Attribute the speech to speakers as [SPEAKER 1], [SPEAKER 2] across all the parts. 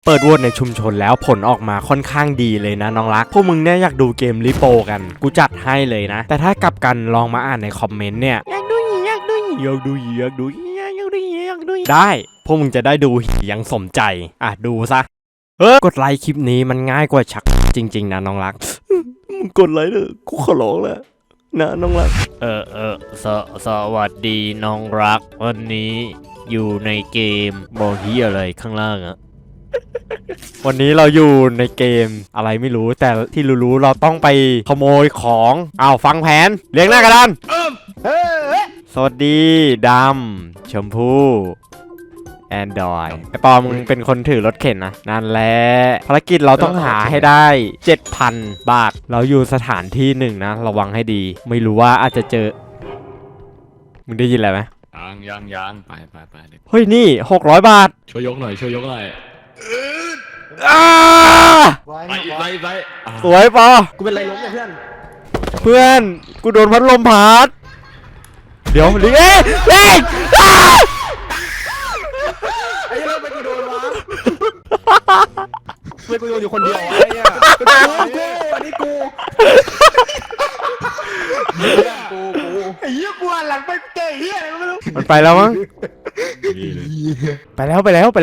[SPEAKER 1] เปิดโหวตในชุมชนแล้วผลออกมาค่อนข้างดีเลยนะน้องรักพวกมึงเนี่ยอยากดูเกมริโปกันกูจัดให้เลยนะแต่ถ้ากลับกันลองมาอ่านในคอมเมนต์เนี่ยอยากดูได้พวกมึงจะได้ดูอย่างสมใจดูซะกดไลค์คลิปนี้มันง่ายกว่าชักจริงๆนะน้องรักมึงกดไลค์เถอะกูขอร้องแล้วนะน้องรักสวัสดีน้องรักวันนี้อยู่ในเกมบอกที่อะไรข้างล่างอะ วันนี้เราอยู่ในเกมอะไรไม่รู้แต่ที่รู้ๆเราต้องไปขโมยของฟังแผนเรียงหน้ากระดานสวัสดีดำชมพู่แอนดรอยไอปอมึงเป็นคนถือรถเข็นนะนั่นแหละภารกิจเราต้องหาให้ได้ 7,000 บาทเราอยู่สถานที่หนึ่งนะระวังให้ดีไม่รู้ว่าอาจจะเจอมึงได้ยินอะไรไหม
[SPEAKER 2] ยังไป
[SPEAKER 1] เฮ้ยนี่600 บาท
[SPEAKER 2] ช่วยยกหน่อยไป
[SPEAKER 1] สวยปอ
[SPEAKER 3] กูเป็นไรล้มเนี่ย
[SPEAKER 1] เพื่อนกูโดนพัดลมพัดเดี๋ยวลิงเอ้ย
[SPEAKER 3] ไอ้เรื่องไปกูโดนวะเพื่อนกูโดนอยู่คนเดียวไอ้เนี่ยอันนี้กูไอ้เหี้ยกูหันหลังไปเจอเหี้ยอะไรก็ไม่รู้
[SPEAKER 1] มันไปแล้วมั้งไปแล้ว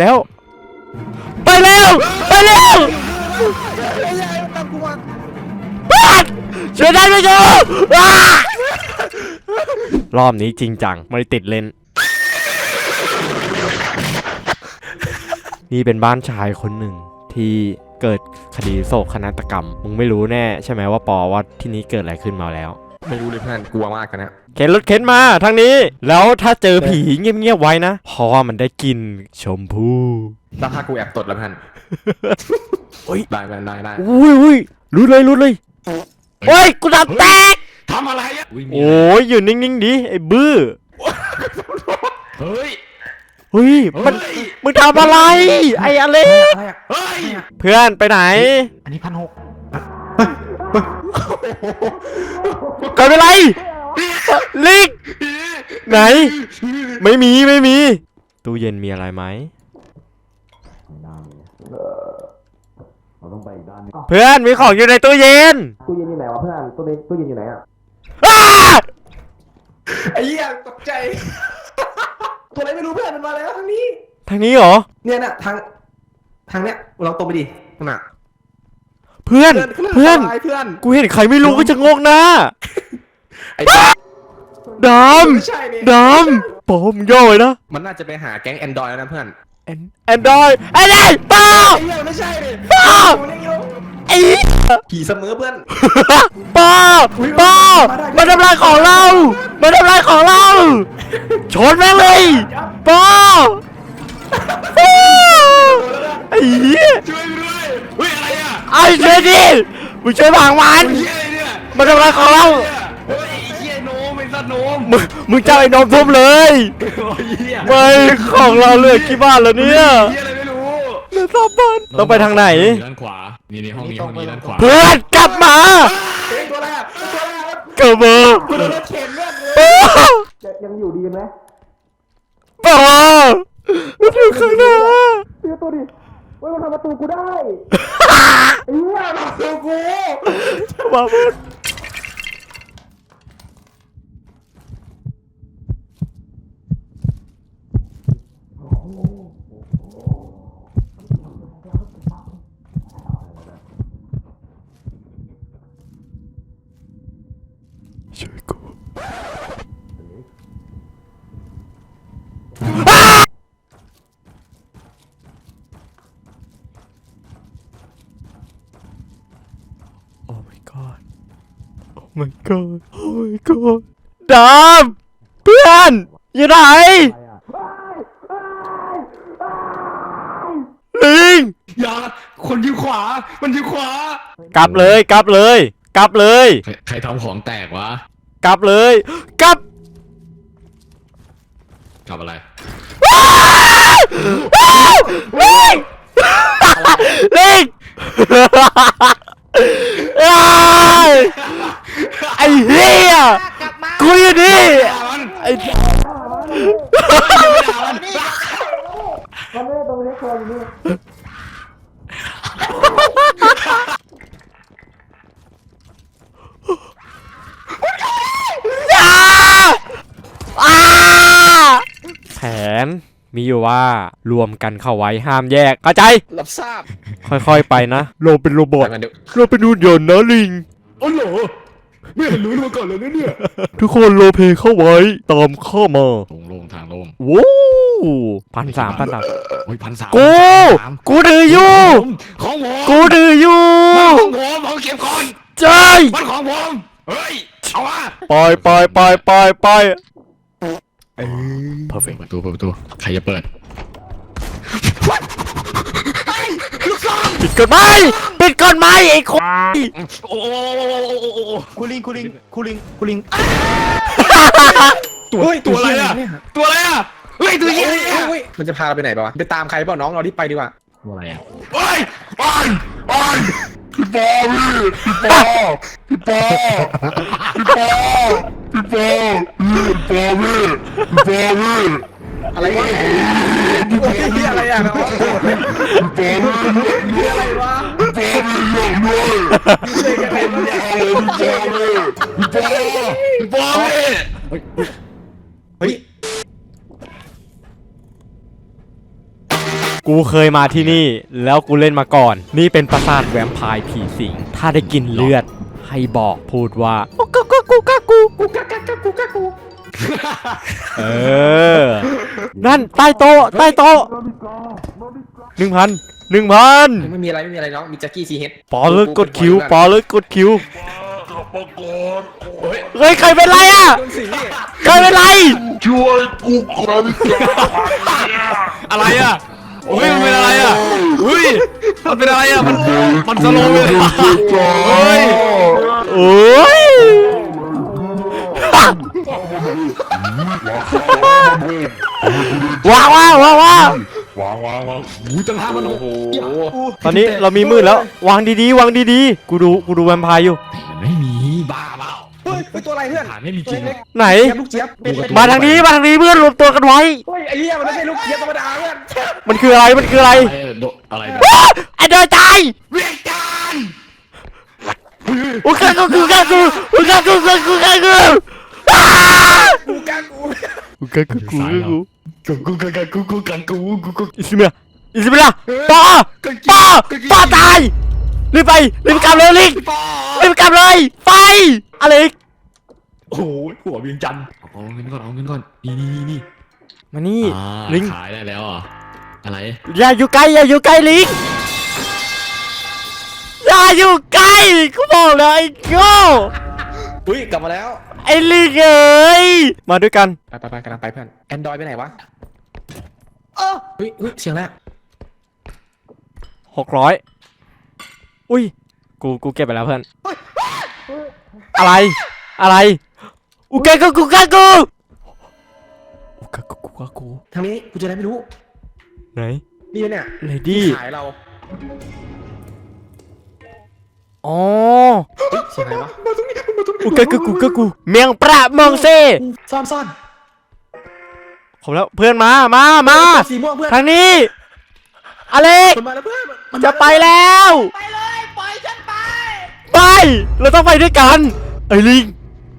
[SPEAKER 1] ช่วยได้ไหมจ๊ะรอบนี้จริงจังไม่ได้ติดเล่นนี่เป็นบ้านชายคนหนึ่งที่เกิดคดีโศกนาฏกรรมมึงไม่รู้แน่ใช่ไหมว่าปอว่าที่นี้เกิดอะไรขึ้นมาแล้ว
[SPEAKER 3] ไม่รู้เลยเพื่อนกลัวมากกันนะ
[SPEAKER 1] เข็นรถเข็นมาทางนี้แล้วถ้าเจอผีเงียบๆไว้นะเพราะว่ามันได้กินชมพู่
[SPEAKER 3] แล้วถ้ากูแอบตดแล้วเพื่อนได้
[SPEAKER 1] อุ้ยรู้เลยโอ้ยกูดับแตก
[SPEAKER 3] ทำอะไรอ่ะ
[SPEAKER 1] โอ้ยอยู่นิ่งๆดิไอ้บื้อ
[SPEAKER 3] เฮ้ย
[SPEAKER 1] มึงทำอะไรไอ้อะไรเพื่อนไปไหน
[SPEAKER 3] อันนี้1,600
[SPEAKER 1] เกิดอะไรลิกไหนไม่มีตู้เย็นมีอะไรไหมเพื่อนมีของอยู่ในตู้เย็น
[SPEAKER 3] อยู่ไหนวะเพื่อนตู้เย็นอยู่ไหนอ่ะไอ้เหี้ยตกใจตัวอะไรไม่รู้เพื่อนมันมาแล้วทางนี้
[SPEAKER 1] เหรอ
[SPEAKER 3] เนี่ยนะทางเนี้ยเราตรงไปดิขนาด
[SPEAKER 1] เพื่อนกูเห็นใครไม่รู้ก็จะงงนะดำปอมย่อยนะ
[SPEAKER 3] มันน่าจะไปหาแก๊งแอนดรอยแล้วนะเพื่อน
[SPEAKER 1] แอนดรอยไอ้นี่ป้า
[SPEAKER 3] ไม่ใช่ดิ
[SPEAKER 1] ไอ้
[SPEAKER 3] ผีเสมอเพื่อน
[SPEAKER 1] ป้ามาทำลายของเราชนแม่งเลยป้าไอ้เหี้ย
[SPEAKER 3] ช่วยด้วยเฮ้ยอะไรอ่ะ
[SPEAKER 1] ไอ้ช่วยดิมึงช่วยพังมันมาทำลายของเรา
[SPEAKER 3] เฮ้ยไอ้เหี้ยโนมไอ้สัตว์โนม
[SPEAKER 1] มึงเจ้าไอ้นมทุ่มเลยไม่ของเราเหลือกี่บาทแล้วเนี่ยเหลือ3 บาทต้องไปทางไหน
[SPEAKER 2] ด้านขวานี่ห้องนี้ด้านขวา
[SPEAKER 1] เพื่อนกลับมาเกิดมา
[SPEAKER 3] ยังอยู่ดีกันไหม
[SPEAKER 1] ป้ามันอยู่ข้างหน้า
[SPEAKER 3] ตัวดิมันทำประตูกูได้ไอ้เหี้ยประตูกู
[SPEAKER 1] มาพูดช่วยกูโอ้ my god ดำเพื่อนอยู่ไหนลิง
[SPEAKER 3] อย่าคนอยู่ขวามันอยู่ขวาก
[SPEAKER 1] ลับเลยใ
[SPEAKER 2] ใครทำของแตกวะ
[SPEAKER 1] กลับอะไรลิงไอ้เหี้ยกูอยู่นี่ไอ้มีอยู่ว่ารวมกันเข้าไว้ห้ามแยกเข้าใจ
[SPEAKER 3] รับทราบ
[SPEAKER 1] ค่อยๆไปนะเราเป็นโรบอท
[SPEAKER 3] ไปกันเดี๋ยว
[SPEAKER 1] เราเป็นหุ่นยนต์นะลิง
[SPEAKER 2] โอ้โหไม่เห็นรู้มาก่อนเลยนะเนี่ย
[SPEAKER 1] ทุกคนโรลเพลย์เข้าไว้ตามเข้ามา
[SPEAKER 2] โล่งทางโล่ง
[SPEAKER 1] ว้าว1,300
[SPEAKER 2] โอ้ย1,300
[SPEAKER 1] กูถืออยู่
[SPEAKER 2] ของผม
[SPEAKER 1] กูถืออยู่
[SPEAKER 2] ของผมเอาเก็บก่อน
[SPEAKER 1] ใช่
[SPEAKER 2] มันของผมเฮ้ยเอามา
[SPEAKER 1] ไป
[SPEAKER 2] perfect ประตูใครจะเปิด
[SPEAKER 1] ปิดกฎหมายไอ้คน
[SPEAKER 2] โอ้
[SPEAKER 3] คูลิง
[SPEAKER 2] ตัวอะไรอะตัวอะไรอะเฮ้ยตัวเหี้ย
[SPEAKER 3] เฮ้ยมันจะพาเราไปไหนป่าวะไปตามใครเปล่าน้องเราที่ไปดีกว่า
[SPEAKER 2] ตัวอะไรอะ
[SPEAKER 4] เฮ้ยพี่ปอพี่ปอพี่
[SPEAKER 3] อะไรวะพี่อะไรอ่ะน้องพี่อะไรวะเลยกันเป็นเนี่ย
[SPEAKER 2] บอลเลย
[SPEAKER 3] เฮ้ย
[SPEAKER 1] กูเคยมาที่นี่แล้วกูเล่นมาก่อน นี่เป็นปราสาทแวมไพร์ผีสิงถ้าได้กินเลือดให้บอกพูดว่ากูเออนั่นใต้โต๊ะ1,000
[SPEAKER 3] ไม่มีอะไรน้องมีแจ็คกี้ซีเฮด
[SPEAKER 1] ปอเลิกกดคิว เฮ้ยใครเป็นไรอ่ะ
[SPEAKER 3] โดนสิงนี่
[SPEAKER 1] ใครเป็นไร
[SPEAKER 4] ช่วยกูก่อน
[SPEAKER 2] อะไรอะโอ้ยมันเป็นอะไรอะอุ้ยมันเป็นอะไรอะมันสโลว์เลยเฮ้ย
[SPEAKER 1] โอ้ย ว้าว
[SPEAKER 4] วาง
[SPEAKER 2] อุ้ยตั้ง5,000โอ้โห
[SPEAKER 1] ตอนนี้เรามีมืดแล้ว วางดีๆ กูดูแวมไพร์อยู่
[SPEAKER 2] มันไม่มีบ้าเปล่า
[SPEAKER 3] เฮ้ยตัวอะไรเพื่อน
[SPEAKER 2] ฐานไม่มีจริง
[SPEAKER 1] ไหน
[SPEAKER 3] ลูกเจี๊ยบเป็น
[SPEAKER 1] มาทางนี้เพื่อนรวมตัวกันไว้
[SPEAKER 3] เฮ้ยไอ้เหี้ยมันไม่ใช่ลูกเจี๊ยบธรรมดาเพื่อน
[SPEAKER 1] มันคืออะไร
[SPEAKER 2] อะไร
[SPEAKER 1] ไอ้เดยตาย
[SPEAKER 2] เวียงจันทร์
[SPEAKER 1] กูอ้า
[SPEAKER 3] กูกันกู
[SPEAKER 1] อิสเมียปอตายรีบกลับเลยลิงรีบกลับเลยไฟอะไร
[SPEAKER 2] โอ้โหหัวเวียงจันทร์เอาเงินก่อนนี่
[SPEAKER 1] มานี่ลิง
[SPEAKER 2] ขายได้แล้วอ่ะอะไร
[SPEAKER 1] อย่าอยู่ใกล้ลิงอย่าอยู่ใกล้กูบอกเลยไอ้โง่
[SPEAKER 3] อุ้ยกลับมาแล้ว
[SPEAKER 1] ไอ้ลิงเอ้ยมาด้วยกัน
[SPEAKER 3] ไปกำลังไปเพื่อนแอนดรอยไปไหนวะเฮ้ยเสียงแล้ว
[SPEAKER 1] 600อุ้ยกูเก็บไปแล้วเพื่อนอะไรกูท
[SPEAKER 3] างนี้กูเจออะไรไม่รู้
[SPEAKER 1] ไหน
[SPEAKER 3] นี่เนี่ย
[SPEAKER 1] เลดี้
[SPEAKER 3] ขายเรา
[SPEAKER 1] อ๋อ
[SPEAKER 3] เสียงอะไรวะ
[SPEAKER 1] กูเมียงประเมืองเซ่
[SPEAKER 3] ซ่อน
[SPEAKER 1] ขอบแล้วเพื่อนมา
[SPEAKER 3] สีม่วงเพื่อน
[SPEAKER 1] ทางนี้อเล็ก
[SPEAKER 3] มันมาแล้วเพื่อนมัน
[SPEAKER 1] จะไปแล้วไปเราต้องไปด้วยกันไอ้ลิง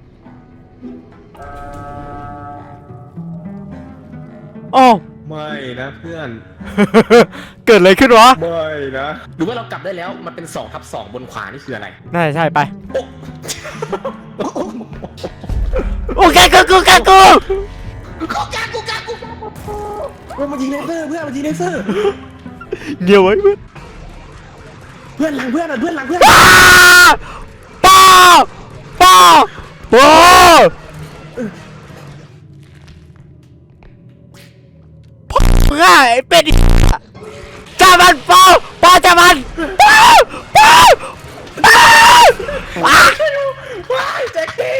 [SPEAKER 1] อ๋อ
[SPEAKER 3] ไม่นะเพื่อน
[SPEAKER 1] เกิดอะไรขึ้นวะ
[SPEAKER 3] ไม่นะหรือว่าเรากลับได้แล้วมันเป็น2/2บนขวานี่คืออะไร
[SPEAKER 1] น่าจะใช่ไป
[SPEAKER 3] โอ้
[SPEAKER 1] โอเคกู
[SPEAKER 3] เพื่อนมันยิงเลเซอร์เพื่อนมันยิงเลเซอร์
[SPEAKER 1] เดี๋ยวไว้เพื่อน
[SPEAKER 3] เพื่อนหลังเพื่อน
[SPEAKER 1] ป้าเพื่อไอ้เป็ดจับมันป้าจับมัน
[SPEAKER 3] ว้ายแจ็คกี้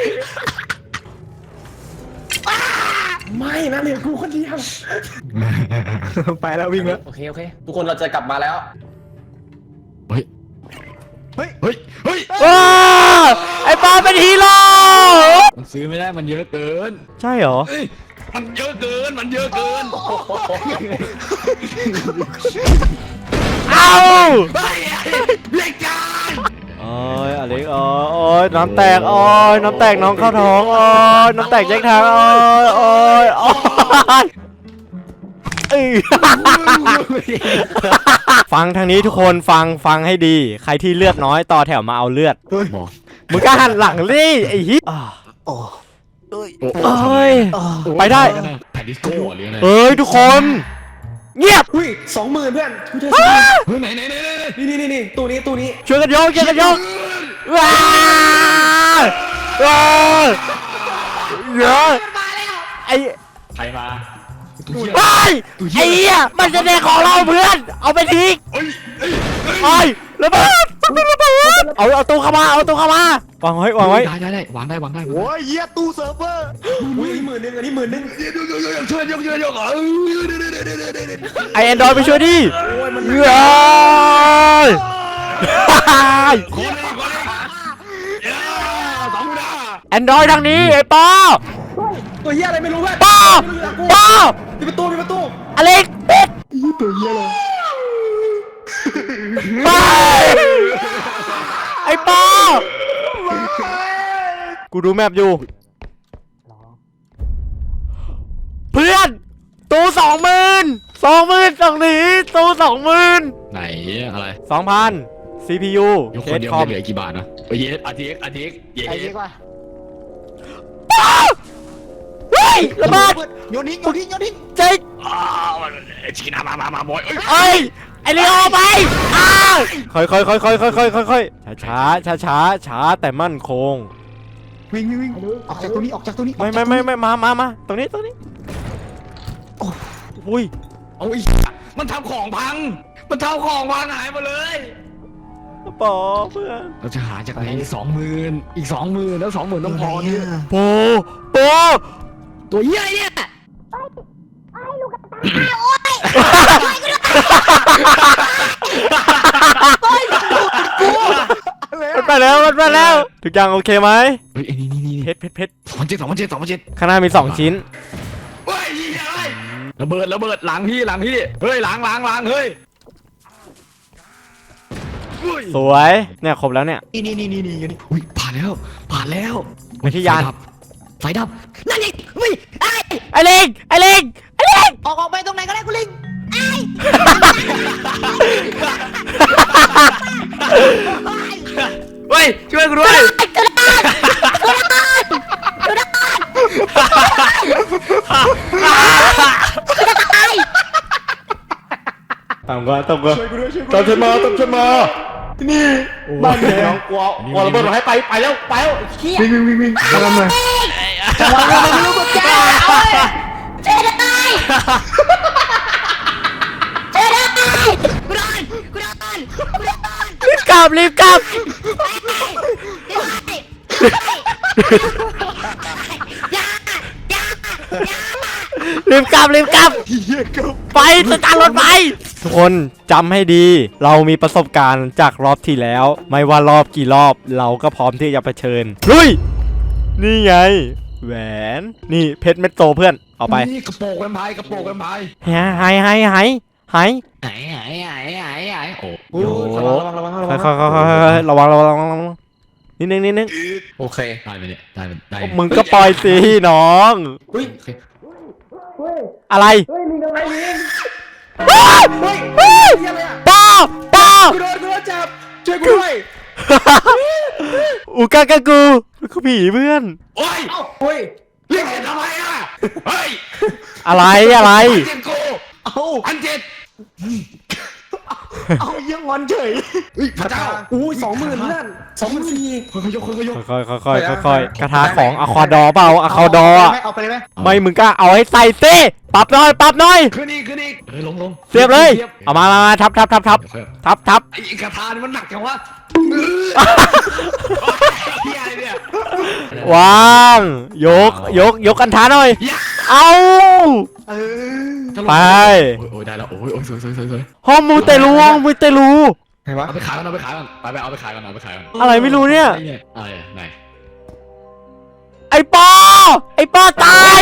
[SPEAKER 3] ไม่นะเหลือกูคนเดียวไปแล้ววิ่งแล้วโอเคทุกคนเราจะกลับมาแล้ว
[SPEAKER 2] เฮ้ย
[SPEAKER 1] ว้าไอ้ป้าเป็นฮีโร่
[SPEAKER 2] มันซื้อไม่ได้มันเยอะเกิน
[SPEAKER 1] ใช่เหรอ
[SPEAKER 2] มันเยอะเกิน
[SPEAKER 1] เอา
[SPEAKER 2] เวียงจันทร์
[SPEAKER 1] โอ้ยอเล็กโอ้ยน้ำแตกน้ำแตกน้องเข้าท้องน้ำแตกแยกทางโอ้ยฟังทางนี้ทุกคนฟังให้ดี ใครที่เลือดน้อยต่อแถวมาเอาเลือด
[SPEAKER 2] บอก
[SPEAKER 1] มึงก็หันหลังดิไอ้ฮิเอ้ยไปได้
[SPEAKER 2] แผ่นดิสโก้หรืออะไร
[SPEAKER 1] เอ้ยทุกคน เงียบ
[SPEAKER 3] อุ้ย20,000เพื่อนกูเจอ
[SPEAKER 2] เฮ้ยไหน
[SPEAKER 3] นี่ตู้นี้
[SPEAKER 1] ช่วยกันยกว้าว้าเยอะไอ้
[SPEAKER 2] ใครมา
[SPEAKER 1] ไอ้เหี้ยมันจะเด็กของเราเพื่อน เอาไปทิ้งไอ้ระเบิดเอาตู้เข้ามาวางไว้
[SPEAKER 2] ได้วางได้
[SPEAKER 4] โอ้ยเหี้ยตู้เซิร์ฟเวอร์
[SPEAKER 3] อุ้ย10,000อันนี้10,000
[SPEAKER 2] ช่วยยก
[SPEAKER 1] ไอแอนดรอยไปช่วยดิเฮ้ย
[SPEAKER 2] คน
[SPEAKER 1] แอนดรอยทางนี้ไอ้ปอ
[SPEAKER 3] ตัวเหี้ยอะไรไม่รู้เพื่อน
[SPEAKER 1] ปอ
[SPEAKER 3] ปิดประตู
[SPEAKER 1] อเล็กปิด
[SPEAKER 4] ตัวเหี้ยอะไร
[SPEAKER 1] ไปไอ้ปอกูดูแมพอยู่เพื่อนตู้20,000ตรงนี้ตู้20,000
[SPEAKER 2] ไหนอะไร
[SPEAKER 1] 2,000 CPU
[SPEAKER 2] ยก
[SPEAKER 1] เค
[SPEAKER 2] คน
[SPEAKER 1] ส
[SPEAKER 2] เดียว
[SPEAKER 1] คอม
[SPEAKER 2] เหลือกี่บาทนะเยสอาทิตย์เยส
[SPEAKER 4] ไอ้เหี้ยว่ะ
[SPEAKER 1] เฮ้ยระเบิด
[SPEAKER 4] โยนทิ้ง
[SPEAKER 1] เจ๊ก
[SPEAKER 2] ชิคกี้พายมาบอย
[SPEAKER 1] เอ้ยไอเลียวไปค่อยช้าแต่มั่นคง
[SPEAKER 4] วิ่งออกจากตัวนี้
[SPEAKER 1] ไม่มาตรงนี้อุ้ย
[SPEAKER 2] เอาอีมันทำของพังหายหมดเลย
[SPEAKER 1] ปอเพื่อน
[SPEAKER 2] เราจะหาจากไหน20,000อีก20,000แล้ว20,000ต้องพอเนี่ย
[SPEAKER 1] โป
[SPEAKER 2] ตัวเหี้ยเนี่ย
[SPEAKER 1] มันไปแล้วทุกอย่างโอเคไหม
[SPEAKER 2] เฮ้ยนี่
[SPEAKER 1] เพชร
[SPEAKER 2] 2,700
[SPEAKER 1] ข้างหน้ามี2ชิ้น
[SPEAKER 2] เฮ้ยระเบิดหลังพี่เฮ้ยหลังเฮ้ย
[SPEAKER 1] สวยเนี่ยครบแล้วเนี่ย
[SPEAKER 4] นี่
[SPEAKER 2] อุ้ยผ่านแล้ว
[SPEAKER 1] ไปที่ยาน
[SPEAKER 2] ไฟดับ
[SPEAKER 5] นั่นอีกวิ่งไอ้
[SPEAKER 1] ไอเล็ก
[SPEAKER 5] ออกไปตรงไหนก็ได้กูลิง
[SPEAKER 2] เฮ้ยช่วยกูด้วย
[SPEAKER 1] ตามก่อน
[SPEAKER 3] ช่วยกูด้วย
[SPEAKER 1] ตามฉันมานี่บ้านเนี่ย
[SPEAKER 3] กลัวระเบิดให้ไปแล้วเชี่ย
[SPEAKER 4] วิ่งทำไม
[SPEAKER 5] เจ๊ได้กูโดน
[SPEAKER 1] รีบกลับ
[SPEAKER 5] รีบ
[SPEAKER 1] กลับไปสตาร์ทรถไปทุกคนจำให้ดี เรามีประสบการณ์จากรอบที่แล้ว ไม่ว่ารอบกี่รอบเราก็พร้อมที่จะเผชิญลุยนี่ไง แหวนนี่เพชรเม็ดโตเพื่อนเอาไป
[SPEAKER 2] นี่กระโปรงแวมไพร์
[SPEAKER 1] หาย
[SPEAKER 2] ไหนโอ้
[SPEAKER 3] โอ้ระวัง
[SPEAKER 1] ระวังนิดนึง
[SPEAKER 3] โอเค
[SPEAKER 2] ได้ไหมเนี่ยได้
[SPEAKER 1] มึงก็ปล่อยสิน้อง
[SPEAKER 3] อุ้ย
[SPEAKER 1] อะไร
[SPEAKER 3] เฮ้ยลิงอะไรลิง
[SPEAKER 1] เฮ้ย
[SPEAKER 3] เฮ้ยอะไรอ่ะ
[SPEAKER 1] ป้า
[SPEAKER 3] กูโดนจับช่วยกูด้วย
[SPEAKER 1] อูกากากูคือผีเพื่อน
[SPEAKER 2] โอ้ย
[SPEAKER 3] เฮ้ย
[SPEAKER 2] เรียกเห็นทำไมอ่ะเฮ้ย
[SPEAKER 1] อะไร
[SPEAKER 2] เจ็บกูอันเจ็ด
[SPEAKER 4] เอายังงอนเฉย
[SPEAKER 2] เฮ้ยพระเจ้า
[SPEAKER 3] อู้20,000เพื่อน24,000
[SPEAKER 2] ค่อยยก
[SPEAKER 1] ค่อยกระทาของอะคอดอเปล่าอะคอดออะ
[SPEAKER 4] เอาไปเลยไหม
[SPEAKER 1] ไม่มึงก็เอาให้ใส่สิปรับหน่อย
[SPEAKER 2] ขึ้นอีกลง
[SPEAKER 1] เสียบเลยเอามาทับ
[SPEAKER 2] เดี๋ยวค่อย
[SPEAKER 1] ไ
[SPEAKER 2] ไอ้กระทานี่มันหนักจังวะเฮียอะไรเนี่ยว
[SPEAKER 1] างยกกันท้าหน่อยเอา ไป
[SPEAKER 2] โอ้ยได้แล้วโอ้ยสวย
[SPEAKER 1] ห้องมูเตลู
[SPEAKER 3] ไหนวะ
[SPEAKER 2] เอาไปขายก่อนไปเอาไปขายก่อน
[SPEAKER 1] อะไรไม่รู้เนี่ย
[SPEAKER 2] อะไรไหน
[SPEAKER 1] ไอ้ปอตาย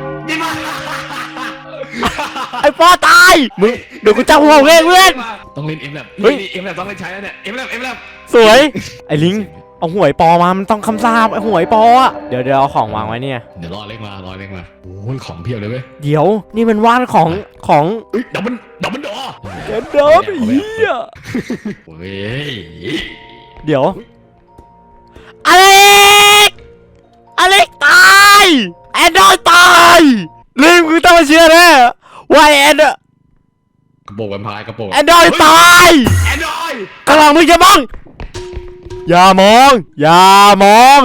[SPEAKER 1] ไอ้ปอตายมึงเดี๋ยวกูจับหัวเองเพื่อน
[SPEAKER 2] ต้องเล่นเอ็มแลบ
[SPEAKER 1] เฮ้ย
[SPEAKER 2] เอ็มแลบต้องเล่นใช้แล้วเนี่ยเอ็มแลบ
[SPEAKER 1] สวยไอ้ลิงเอาหวยปอมามันต้องคำสาปไอ้หวยปออะเดี๋ยวเอาของวางไว้เนี่ย
[SPEAKER 2] เดี๋ยวรอเล็กมาโอ้ยของเพียบเลยเว้ย
[SPEAKER 1] เดี๋ยวนี่มันว่านของ
[SPEAKER 2] เฮ้ยดับมันดอ
[SPEAKER 1] แกนดับเฮีย
[SPEAKER 2] เฮ้ย
[SPEAKER 1] เดี๋ยวอเล็กตายแอนดรอยตายลิงมึงต้องมาเชื่อแน่ว่าแอน
[SPEAKER 2] กระโปรงแวมไพร์กระโปรง
[SPEAKER 1] แอนดรอยตาย
[SPEAKER 2] แอนดรอย
[SPEAKER 1] กำลังมึงจะมองอย่ามอง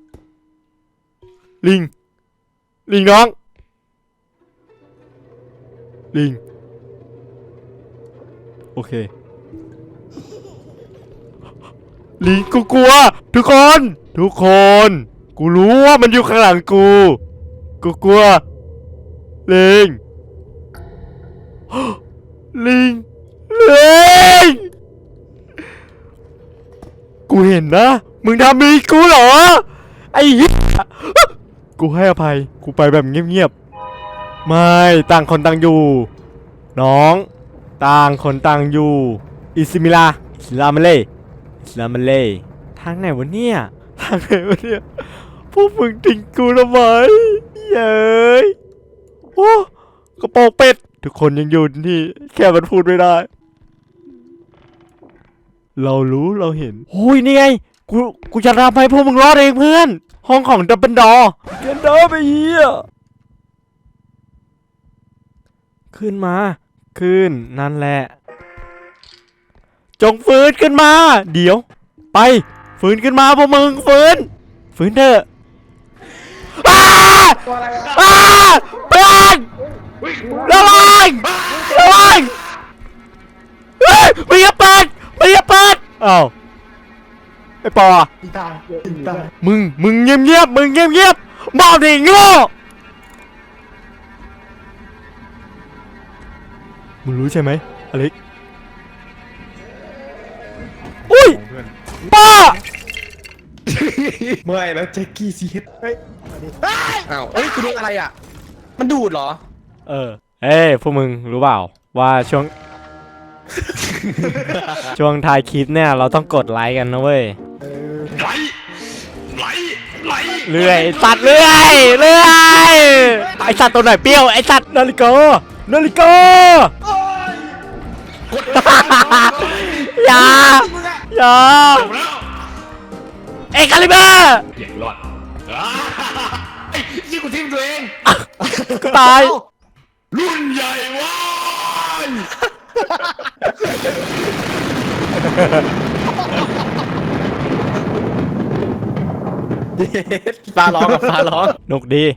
[SPEAKER 1] ลิงน้องลิงโอเคลิงกูกลัวทุกคนกูรู้ว่ามันอยู่ข้างหลังกูกลัวลิง ลิงกูเห็นนะมึงทำมีกูเหรอไอ้เหี้ยกูให้อภัยกูไปแบบเงียบๆไม่ต่างคนต่างอยู่น้องต่างคนต่างอยู่อิสลามาเล่ทางไหนวะเนี่ยพวกมึงทิ้งกูทำไมเย้ยโอ้กระโปรงเป็ดทุกคนยังอยู่ที่แค่มันพูดไม่ได้เรารู้เราเห็นโอ้ยนี่ไงกูจะทำให้พวกมึงรอดเองเพื่อนห้องของดับเบิลดอกันดอไปเหี้ยขึ้นนั่นแหละจงฟื้นขึ้นมาเดี๋ยวไปฟื้นขึ้นมาพวกมึงฟื้นเถอะอ้าเพื่อนระวังเฮ้ยมึงอย่าเปิดอ้าวไอ้ปอ
[SPEAKER 4] ตายตาย
[SPEAKER 1] มึงเงียบบอกดิโง่มึงรู้ใช่ไหมอเล็กอุ้ยป้า
[SPEAKER 3] เมื่อยแล้วแจ็คกี้ซีเฮดเฮ้ยอ้าวเอ้ยกูโดนอะไรอ่ะมันดูดเหรอ
[SPEAKER 1] เอ้ยพวกมึงรู้เปล่าว่าช่วง ช่วงท้ายคลิปเนี่ยเราต้องกดไลค์กันนะเว้ย
[SPEAKER 2] ไหล
[SPEAKER 1] เลื่อยไอ้สัตว์เลื่อยไอสัตว์ตัวไหนเปรี้ยวไอสัตว์นาฬิกาอย่าเอ็กคาลิเบอร์
[SPEAKER 2] เจ็บรอดไอ้ยี่กูทิ้งตัวเอง
[SPEAKER 1] กูตาย
[SPEAKER 2] รุ่นใหญ่ว้าย
[SPEAKER 3] ฟ้าร้องกับฟ้าร้อง
[SPEAKER 1] นกดี